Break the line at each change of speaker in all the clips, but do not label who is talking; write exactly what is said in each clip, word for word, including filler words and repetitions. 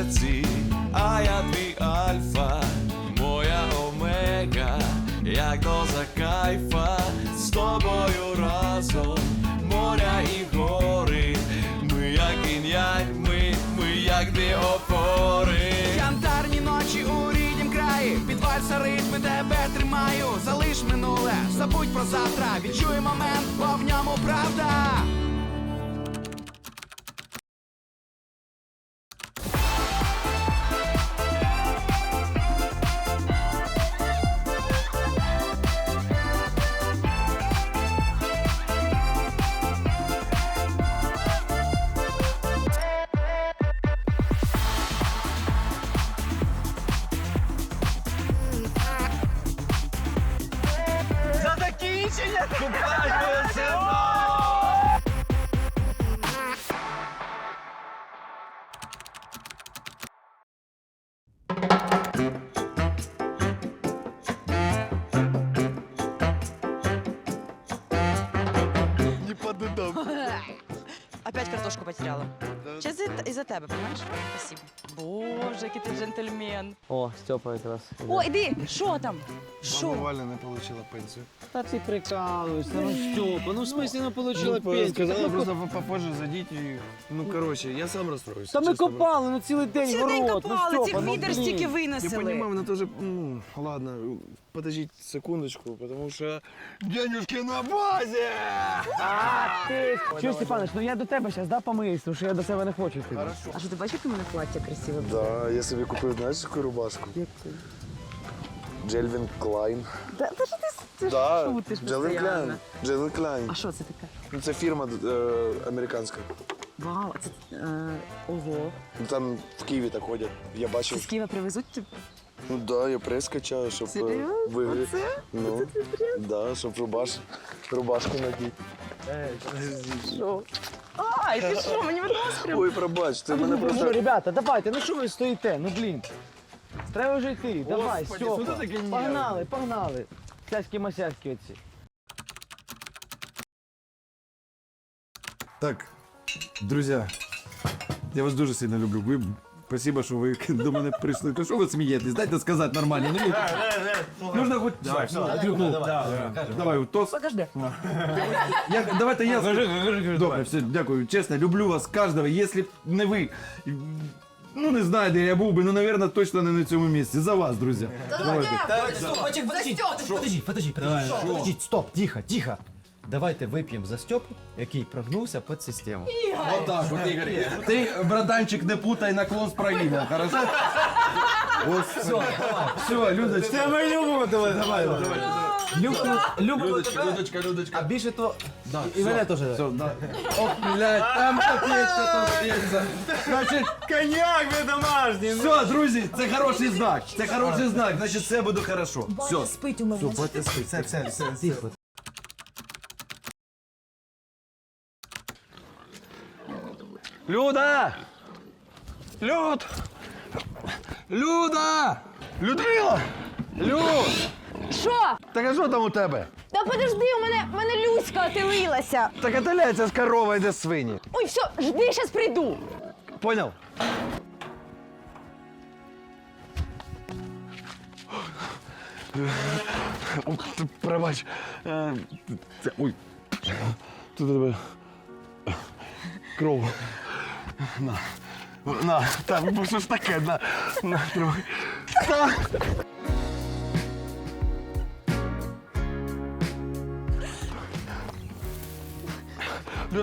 серці, а я твій альфа, моя омега, як доза кайфа, з тобою разом, моря і гори, ми як інь-янь, ми, ми як дві опори.
Янтарні ночі у ріднім краї, під вальса ритми тебе тримаю. Залиш минуле, забудь про завтра, відчуй момент, бо в ньому правда.
За закінчення!
Не поддам.
Опять картошку потеряла. Сейчас из-за тебя, понимаешь? Спасибо. Боже, який ти джентльмен.
О, Степа якраз.
О, іди, що там? Що?
Валя не получила пенсію.
Та ти прикалуєшся, ну Степа, ну в смысле не получила пенсію?
Сказала просто попозже зайдіть і... Ну, коротше, я сам розстроюсь.
Та ми копали, ну цілий день
Цілий день
город, ну
копали,
Степа,
цих
ну
відер
блін.
стільки
Я
винесли.
понимаю, вона теж... Ну, ладно, подождіть секундочку, потому що... Денюжки на базі!
Ти... Чуєш, Степанович, ну я до тебе зараз, да, помиюсь, тому що я до себе не хочу йти.
Хорошо.
А що, ти бачиш, яке у мене плаття красиве?
Да, я собі купив, знаєш, яку рубашку? Джельвін Клайн.
Та, та що ти, ти
Да,
шутиш
Джельвін
постійно?
Клайн. Джельвін Клайн.
А що це таке?
Ну, це фірма е, американська.
Вау, а це, е, ого.
Ну, там в Києві так ходять. Я
Це
бачив.
з Києва привезуть тобі?
Ну да, я прес качаю, щоб
Серйозно?
виграти.
Оце?
Ну, да, щоб рубаш, рубашку надіти.
Що? Ай, ти що, мені видалось прям?
Ой, пробач, ти мене
Ну що,
просто...
ребята, давайте, ну що ви стоїте, ну блін. Треба вже йти, давай,
Господи, що
Степа.
ти таке нервний?
Погнали, погнали. Сяськи-масяськи оці.
Так, друзі, я вас дуже сильно люблю. Ви, спасибо, що ви до мене прийшли. Та що ви смієтесь? Дайте сказати нормально. Ну, нужно хоч... Давай, все, ну, давай, тост.
Подожди.
Я, давайте я... Добре, все, дякую. Чесно, люблю вас кожного. Якщо б не ви... Ну, не знаю, де я був би, ну, мабуть, точно не на цьому місці. За вас, друзі. Давайте.
Подожди, подожди, подожди, подожди, подожди, стоп, тихо, тихо. Давайте вип'ємо за Степу, який прогнувся під систему.
Отак, от, Ігор. Ти, братанчик, не путай наклон з прогибом, хорошо? Ось, все, все, Людочка.
Це ми любимо тебе, давай, давай. Любимо
Людочка, Людочка, Людочка.
А більше то... І мене теж.
Все, да. Ох, блядь, там капець, там п'ється. Значить,
Коньяк ви домашній.
все, друзі, це хороший знак. Це хороший знак, значить, все буде хорошо. Все.
Спить у мене.
Все, все, все, все, все.
Люда! Люд! Люда! Людмила! Люд!
Що?
Так а що там у тебе?
Та подожди, у мене, у мене Люська отелилася.
Так отеляється з корова йде з свині.
Ой, все, жди, зараз прийду.
Понял? О, ти пробач. Е, це- Ой. Тут у тебе кров. На. На. Так, бо що ж таке? На. На, тримай. Та. Люд.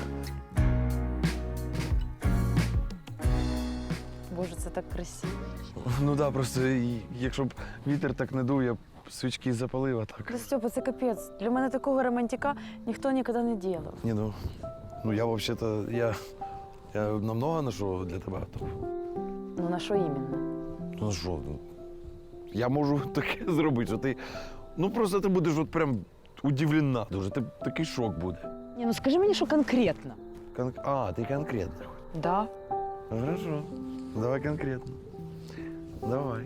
Боже, це так красиво.
Ну так, да, просто і- якщо б вітер так не дув, я б свічки запалив, а так.
Та Степа, це капець. Для мене такого романтика ніхто ніколи не робив.
Ні, ну, ну я взагалі-то, я, я намного ношу для тебе. То,
Ну на що іменно?
ну що, ну, я можу таке зробити, що ти, ну просто ти будеш от прям удивлена дуже, ти, такий шок буде.
Ні, ну скажи мені, що конкретно.
Кон... А, ти конкретно.
Да.
Хорошо, давай конкретно. Давай.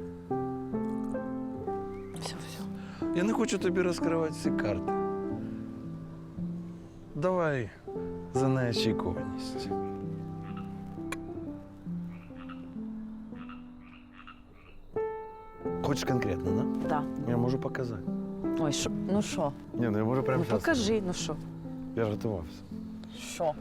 Все, все.
Я не хочу тобі розкривати всі карти. давай за неочікуваність. Хочеш конкретно, да?
Да.
Я можу показати.
Ой, що? Ну що?
Ні, ну я можу прямо
Ну
зараз.
покажи, ну що?
Я ж готувався.
Що?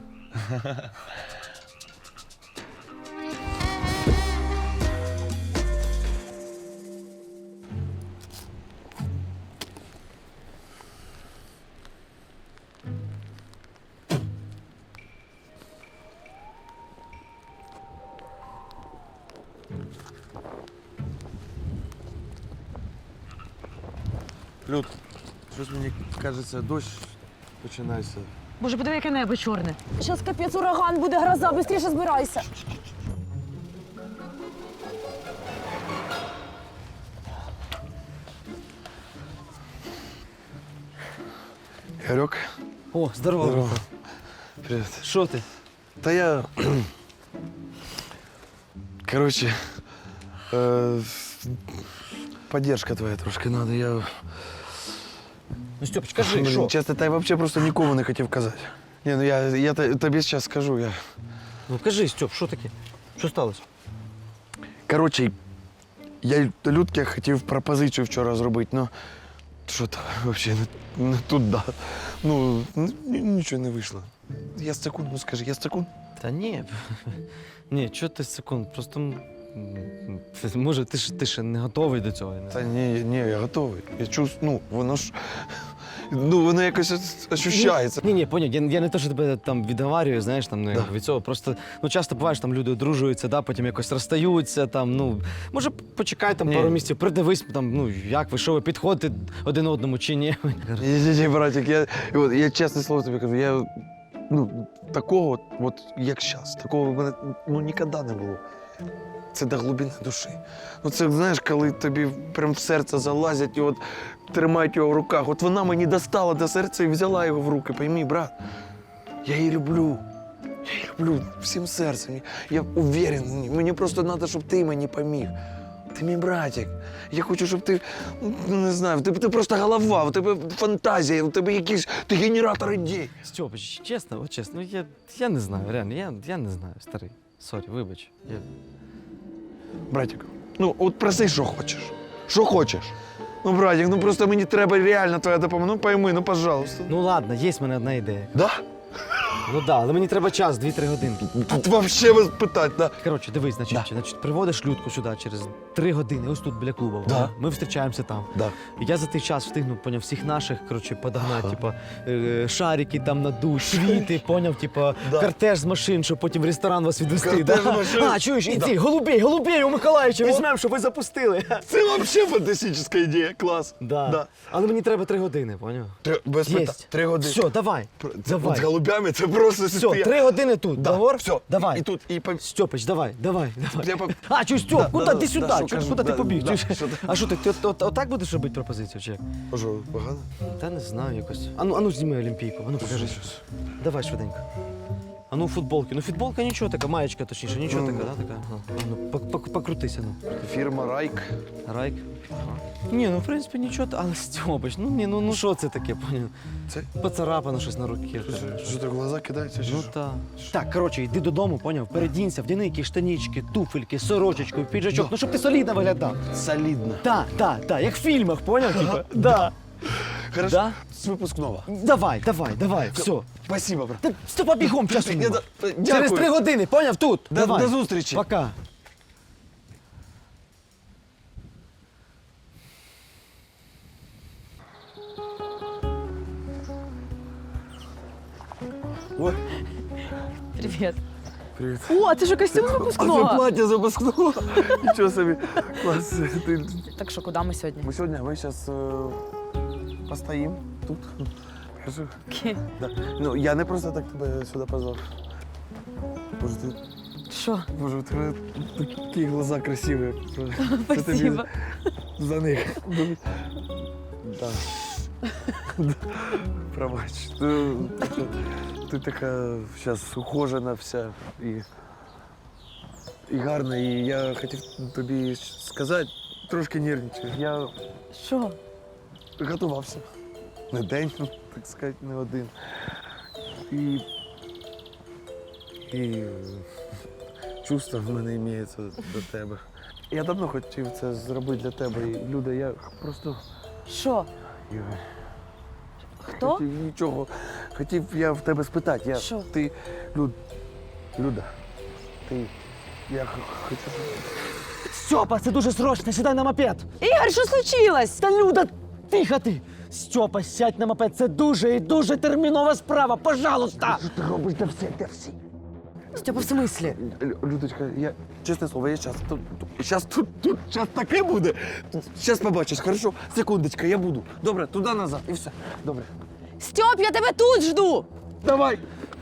Люд, щось мені кажеться, дощ починається.
Боже, подиви, яке небо чорне. Зараз капець ураган буде, гроза, швидше збирайся.
Ігорьок,
О, здорово.
здорово. Привіт.
Що ти?
Та я. Коротше, е... поддержка твоя трошки надо. Я.
Ну, Стьопич, кажи,
Блін,
що?
чесно, та я взагалі просто нікому не хотів казати. Ні, ну я, я те- тобі зараз скажу. Я...
Ну кажи, Стьоп, що таке? Що сталося?
Коротше, я Людке хотів пропозицію вчора зробити, ну. Що то взагалі не, не туди. Ну, н- нічого не вийшло. Я секунд, ну скажи, я секунд.
Та ні. Ні, чого ти секунд? Просто. м, м, Може, ти ж ти ще не готовий до цього. я не
Та
знаю.
ні, ні, я готовий. Я чувствую, ну, воно ж. Ну, воно якось ощущається.
Ні, ні, поняв. Я, я не те, що тебе там відговарюю, знаєш, там ну,
Да.
від цього. Просто ну часто буває, що там люди одружуються, да, потім якось розстаються. Там, ну може, почекай там
Ні.
пару місяців, придивись, там, ну як ви, що ви підходите один одному чи ні.
Ні, ні, ні, братик, я, і от, я чесне слово тобі кажу, я ну, такого, от, от як зараз, такого в мене ну, ніколи не було. Це до глибини душі. Ну це, знаєш, коли тобі прям в серце залазять і от тримають його в руках. От вона мені достала до серця і взяла його в руки. Пойми, брат, я її люблю. Я її люблю всім серцем. Я уверен, мені просто треба, щоб ти мені поміг. Ти мій братик. Я хочу, щоб ти, ну, не знаю, в тебе ти просто голова, в тебе фантазія, в тебе якийсь ти генератор ідей.
Стьопич, чесно, от чесно, ну, я, я не знаю, реально, я, я не знаю, старий. Сорі, вибач. Я...
Братик, ну от проси, що хочеш. Що хочеш. Ну, братик, ну просто мені треба реально твоя допомога. Ну пойми, ну, пожалуйста.
Ну ладно, є в мене одна ідея.
Да?
Ну да, але мені треба час, дві-три годинки.
Тут вообще вас питати, да.
Коротше, дивись, значить,
Да.
значить, приводиш Людку сюди через три години, ось тут біля клубу.
Да.
Ми зустрічаємося там.
Да.
І я за той час встигну, поняв, всіх наших, коротше, подогнати, типа, е, шарики там надуть, світи, поняв, типа,
Да.
кортеж з машин, щоб потім в ресторан вас відвести.
Кортеж
Да?
з машин?
А, чуєш, і
Да.
ці, голубей, голубей у Миколаївича візьмемо, щоб ви запустили.
Це вообще фантастична ідея, клас.
Да.
Да.
Але мені треба три години, поняв?
Три, без питань.
Єсть.
Три години.
Все, давай.
Це,
давай.
От з голубями це просто
Все,
стоя-
три години тут,
Да,
договор?
все.
Давай.
І, і тут, і по...
Стьопич, давай, давай, давай.
Я по-
А, чуєш, Стьоп,
Да,
куди?
да,
Ти
да,
сюди,
да, що
чуєш,
кажу,
куди ти
да,
побіг?
да,
Чуєш?
що ти?
А що ти, ти от, от, отак будеш робити пропозицію, чи як?
Що, погано?
Та не знаю, якось. Ану, ану, зніми Олімпійку, ану, покажи. Давай швиденько. Ану, футболки. Ну, футболка нічого така, маєчка точніше, нічого
Ну.
така, да, така? Ага. Ану, пок- пок- покрутися, ну.
Фірма Райк.
Райк. Ага. Ні, ну, в принципі, нічого, та- але Стьопич, ну, ні, ну, ну, що це таке, поняв?
Це?
Поцарапано щось на руці.
Що так глаза кидаються? чи
Ну
що?
так. Так, коротше, йди додому, поняв? Передінься, вдяни якісь штанічки, туфельки, сорочечку, піджачок, ну щоб ти солідно виглядав.
Солідно.
Так, так, так, як в фільмах, поняв? Типа? Да.
Хорошо.
Да?
З випускного.
Давай, давай, давай, все.
Спасибо, брат.
Та Стопа бігом, часу
Я
нема.
да-
Через
дякую.
три години, поняв? Тут.
До-
Давай.
до зустрічі.
Пока.
Ой,
Привіт.
привіт.
О, ти ж костюм
А це
випускного.
плаття з випускного. Нічого собі. Клас. Ти...
Так що, куди ми сьогодні?
Ми сьогодні, ми зараз постоїмо тут. Хорошо? Да. Ну, я не просто так тебе сюди позвав. Боже, ти,
Що?
боже, у тебе такі глаза красиві. Це тобі
Спасибо.
за них. Да. Пробач. Ти, ти, ти така зараз ухожена вся і, і гарна. І я хотів тобі сказати, трошки нервничаю. Я
Що?
готувався. Не день, так сказати, не один. І. І. Чувства в мене іміється до тебе. Я давно хотів це зробити для тебе. І, Люда, я просто.
Що?
Я
Хто?
хотів нічого. Хотів я в тебе спитати. Я,
Що?
Ти. Люд. Люда. Ти. Я х- хочу.
Стьопа, це дуже срочно, сідай на мопед.
Ігор, що случилось?
Та Люда, тихо ти! Стьопа, сядь на мопед, це дуже і дуже термінова справа, пожалуйста! Що ти робиш для всіх, для всіх?
Стьопа, в смислі?
Лю- Людочка, я, чесне слово, я щас тут, тут, щас тут, тут, щас таке буде. Щас побачиш, хорошо? Секундочка, я буду. Добре, туди-назад, і все. Добре.
Стьоп, я тебе тут жду!
Давай.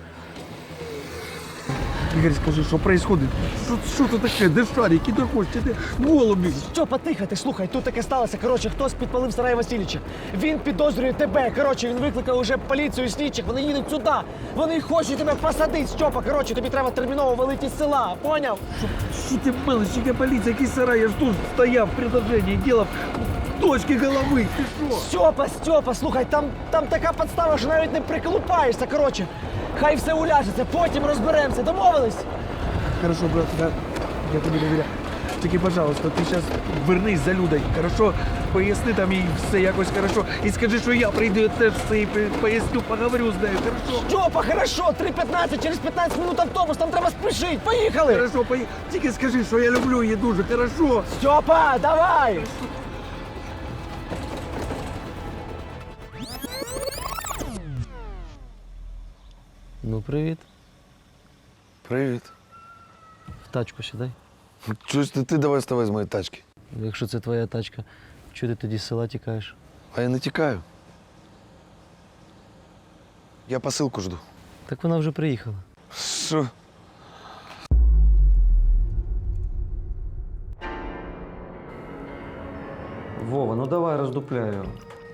Ігор, скажи, що відбувається? Що, що це таке? Де шарики, де хочете, де голубі?
Стьопа, тихо, ти слухай, тут таке сталося. Коротше, хтось підпалив Сарая Васильовича. Він підозрює тебе. Коротше, він викликав уже поліцію і слідчих. Вони їдуть сюди. Вони хочуть тебе посадити, Стьопа. Коротше, тобі треба терміново валити з села. Поняв?
Що ти мелиш, яка поліція, який сарай? Я ж тут стояв в предложенні, ділав точки голови. Ти що?
Стьопа, Стьопа, слухай, там, там така подстава, що навіть не приколупаєшся. Коротше, хай все уляжеться, потім розберемося. Домовились?
Хорошо, брат, я, я тобі довіряю. Тільки, пожалуйста, ти зараз вернись за Людою, хорошо? Поясни там їй все якось хорошо. І скажи, що я прийду, я теж все їй поясню, поговорю з нею, хорошо?
Стьопа, хорошо, три п'ятнадцять, через п'ятнадцять минут автобус, там треба спішити. Поїхали!
Хорошо, пої... тільки скажи, що я люблю її дуже, хорошо?
Стьопа, давай!
Ну, привіт.
Привіт.
В тачку сідай.
Чуєш, ти, ти давай ставай з моєї тачки.
Якщо це твоя тачка, чого ти тоді з села тікаєш?
А я не тікаю. Я посилку жду.
Так вона вже приїхала.
Що?
Вова, ну давай роздупляй його.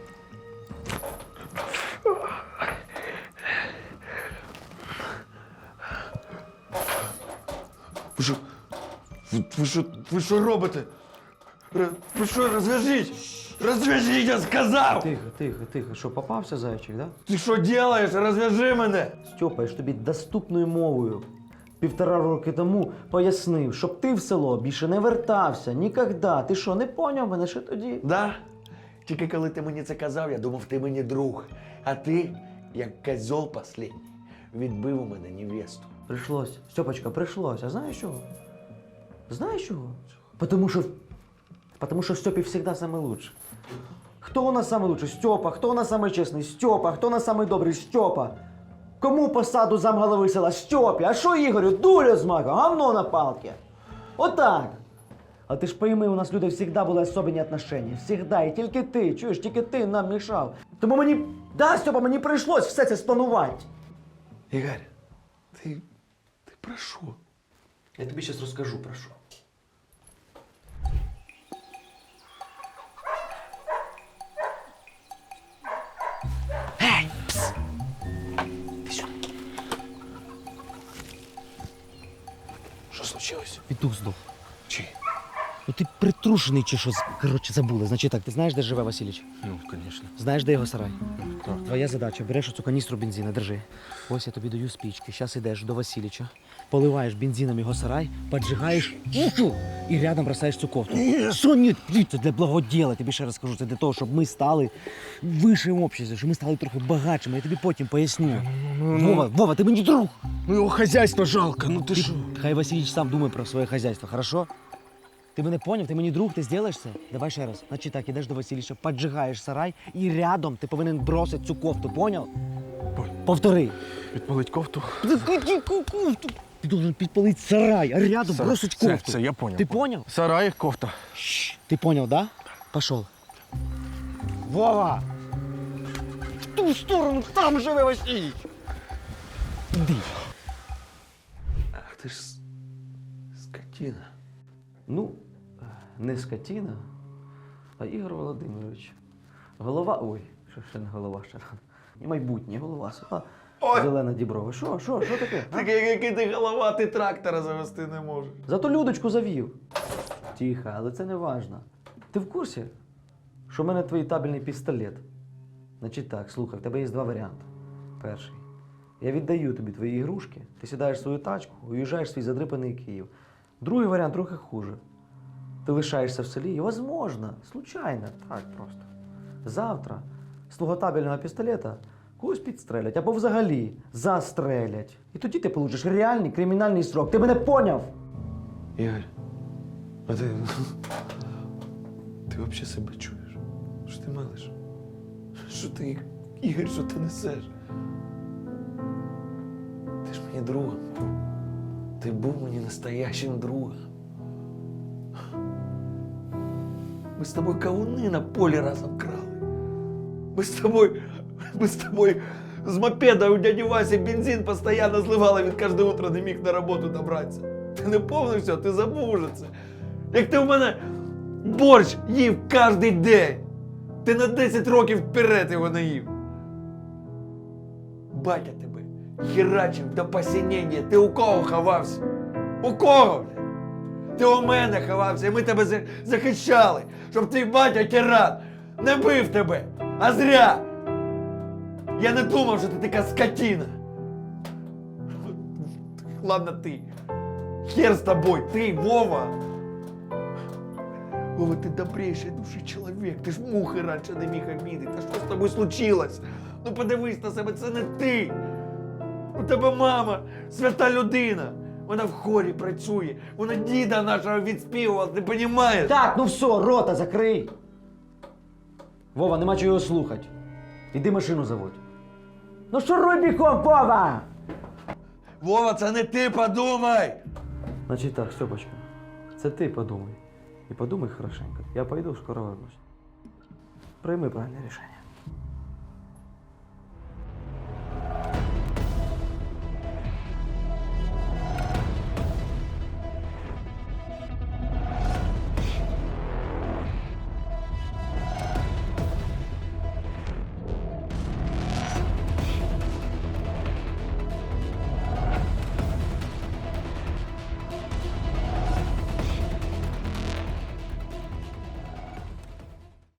Ви що? Ви, ви що? Ви що робите? Р- Ви що, розв'яжіть? Розв'яжіть, я сказав!
Тихо, тихо, тихо. Що, попався зайчик, да?
Ти що робиш? Розв'яжи мене!
Стьопа, я ж тобі доступною мовою півтора роки тому пояснив, щоб ти в село більше не вертався ніколи. Ти що, не поняв мене ще тоді?
Да? Тільки коли ти мені це казав, я думав, ти мені друг. А ти, як козьол послідній, відбив у мене невесту.
Прийшлось. Стьопочка, прийшлось. А знаєш чого? Знаєш чого? Потому що, потому що в Стьопі завжди саме лучше. Хто у нас саме лучше? Стьопа. Хто у нас саме чесний? Стьопа. Хто у нас саме добрий? Стьопа. Кому посаду замголови села? Стьопі. А що Ігорю? Дуля з мака, говно на палки. Отак. А ти ж пойми, у нас люди завжди були особливі отношення. Всегда. І тільки ти, чуєш, тільки ти нам мішав. Тому мені, да, Стьопа, мені прийшлось все це спланувати.
Ігор, ти, ти про що?
Я тобі зараз розкажу про що.
Що случилось?
Петух здох.
Чи?
Ну ти притрушений чи що? Коротше, забули. Значить так, ти знаєш, де живе Васильович?
Ну, звісно.
Знаєш, де його сарай? Твоя задача, береш оцю каністру бензина, держи. Ось я тобі даю спічки. Зараз йдеш до Васильича, поливаєш бензином його сарай, поджигаєш і рядом бросаєш цю кофту. Що ні? Це для благоділа, тобі ще раз скажу. Це для того, щоб ми стали вищим обществом, щоб ми стали трохи багатшими. Я тобі потім поясню. Вова, Вова, ти мені друг.
Ну його хазяйство жалко, ну ти що?
Хай Васильич сам думає про своє хазяйство, хорошо? Ти мене поняв? Ти мені друг, ти зробиш це? Давай ще раз. Значить так, ідеш до Васильича, поджигаєш сарай і рядом ти повинен бросити цю кофту, поняв? Повтори.
Підпалить кофту?
Яку кофту? Ти должен підпалити сарай, а рядом бросить кофту.
Це, це я поняв.
Ти поняв?
Сарай, кофта.
Ти поняв, да? Пошел. Вова! В ту сторону, там живе Васильич! Іди.
Ах ти ж с- скотина.
Ну, не скотина, а Ігор Володимирович. Голова. Ой, що ще не голова, ще рано. І майбутнє голова. села. Зелена Діброва. Що, що, що таке? а?
Так який ти голова, ти трактора завести не можеш.
Зато Людочку завів. Тихо, але це не важно. Ти в курсі, що в мене твій табельний пістолет? Значить так, слухай, в тебе є два варіанти. Перший. Я віддаю тобі твої ігрушки, ти сідаєш в свою тачку, уїжджаєш в свій задрипаний Київ. Другий варіант трохи хуже. Ти лишаєшся в селі і, возможно, случайно, так просто. Завтра з твого табельного пістолета когось підстрелять або взагалі застрелять. І тоді ти получиш реальний кримінальний срок. Ти мене поняв?
Ігор, а ти. Ти взагалі себе чуєш? Що ти мелиш? Що ти, Ігор, що ти несеш? Ти ж мені другом. Ти був мені настоящим другом. Ми з тобою кавуни на полі разом крали. Ми з тобою, ми з тобою з мопеда у дяді Васі бензин постійно зливали, він кожне утро не міг на роботу добратися. Ти не помнив все, ти забув уже це. Як ти в мене борщ їв кожен день. Ти на десять років вперед його не їв. Батя тебе херачив до посінення. Ти у кого ховався? У кого? Ти у мене ховався, і ми тебе за- захищали, щоб твій батя тиран не бив тебе, а зря. Я не думав, що ти така скотина. Ладно ти. Хер з тобою, ти, Вова. Вова, ти добрейший душі чоловік, ти ж мухи раніше не міг обідати. Та що з тобою случилось? Ну подивись на себе, це не ти. У тебе мама, свята людина. Вона в хорі працює, вона діда нашого відспівувала, ти розумієш?
Так, ну все, рота закрий. Вова, нема чого його слухати. Іди машину заводь. Ну що руй бігом, Вова?
Вова, це не ти, подумай!
Значить так, Степочка, це ти подумай. І подумай хорошенько. Я пойду, скоро вернусь. Прийми правильне рішення.